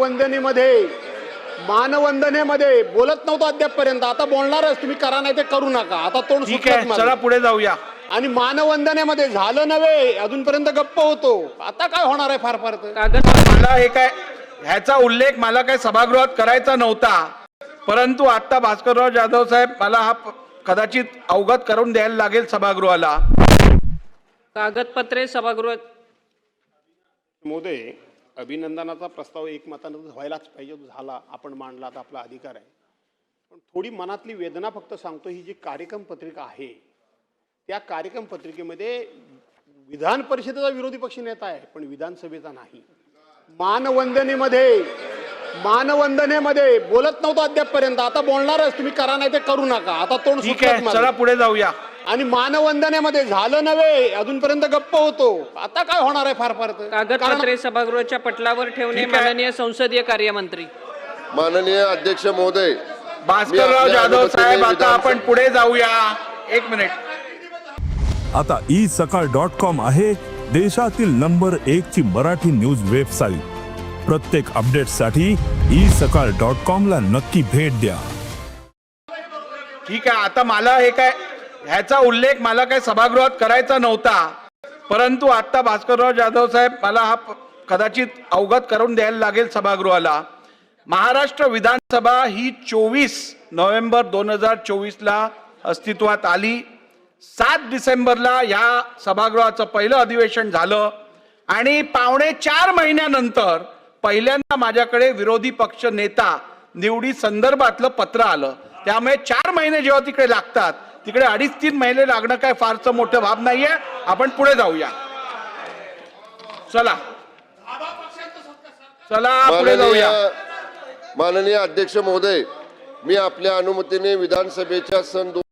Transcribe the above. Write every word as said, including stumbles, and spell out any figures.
मानवंदनेमध्ये मानवंदनेमध्ये बोलत नव्हतो अद्यापपर्यंत, आता बोलणारच. तुम्ही करा नाही ते करू नका. आता तोंड ठीक आहे, सुटलं चला पुढे जाऊया. आणि मानवंदनेमध्ये झालं नव्हे, अजूनपर्यंत गप्प होतो. आता काय होणार आहे? फार फार तर कागद मला हे काय ह्याचा उल्लेख मला काय सभागृहात करायचा नव्हता, परंतु आता भास्करराव जाधव साहेब मला हा प- कदाचित अवगत करून द्यायला लागेल सभागृहाला. कागदपत्रे सभागृहात. मोदय, अभिनंदनाचा प्रस्ताव एकमतानं व्हायलाच पाहिजे. तो झाला, आपण मांडला, तर आपला अधिकार आहे. पण थोडी मनातली वेदना फक्त सांगतो. ही जी कार्यक्रम पत्रिका आहे, त्या कार्यक्रम पत्रिकेमध्ये विधान परिषदेचा विरोधी पक्ष नेता आहे, पण विधानसभेचा नाही. मानवंदनेमध्ये मानवंदनेमध्ये बोलत नव्हतो अद्यापपर्यंत, आता बोलणारच. तुम्ही करा नाही ते करू नका. आता तोंड ठीक आहे, सुटलं चला पुढे जाऊया. आणि मानवंदनेमध्ये झालं नव्हे, अजूनपर्यंत गप्प होतो. आता काय होणार आहे? फार फार तर कागदपत्रे सभागृहाच्या पटलावर ठेवणे ठीक आहे. माननीय संसदीय कार्यमंत्री. माननीय अध्यक्ष महोदय, भास्करराव मी आपल्या जाधव साहेब अनुमतीने आता विधानसभा- आपण पुढे जाऊया. एक मिनिट. आता ई सकाळ डॉट कॉम आहे देशातील नंबर एक ची मराठी न्यूज वेबसाईट. प्रत्येक अपडेटसाठी ई सकाळ डॉट कॉम ला नक्की भेट द्या. ठीक आहे, आता मला हे काय ह्याचा उल्लेख मला काय सभागृहात करायचा नव्हता, परंतु आता भास्करराव जाधव साहेब मला हा प- कदाचित अवगत करून द्यायला लागेल सभागृहाला. महाराष्ट्र विधानसभा ही चोवीस नोव्हेंबर दोन हजार चोवीस ला अस्तित्वात आली. सात डिसेंबरला या सभागृहाचं पहिलं अधिवेशन झालं आणि पावणे चार महिन्यानंतर पहिल्यांदा माझ्याकडे विरोधी पक्ष नेता निवडी संदर्भातलं पत्र आलं. त्यामुळे चार महिने जेव्हा तिकडे लागतात, तिकडे अडीच तीन महिने लागणं काय फारसं मोठं बाब नाहीये. आपण पुढे जाऊया. चला चला पुढे माननीय जाऊया. माननीय अध्यक्ष महोदय, मी आपल्या अनुमतीने विधानसभेच्या सन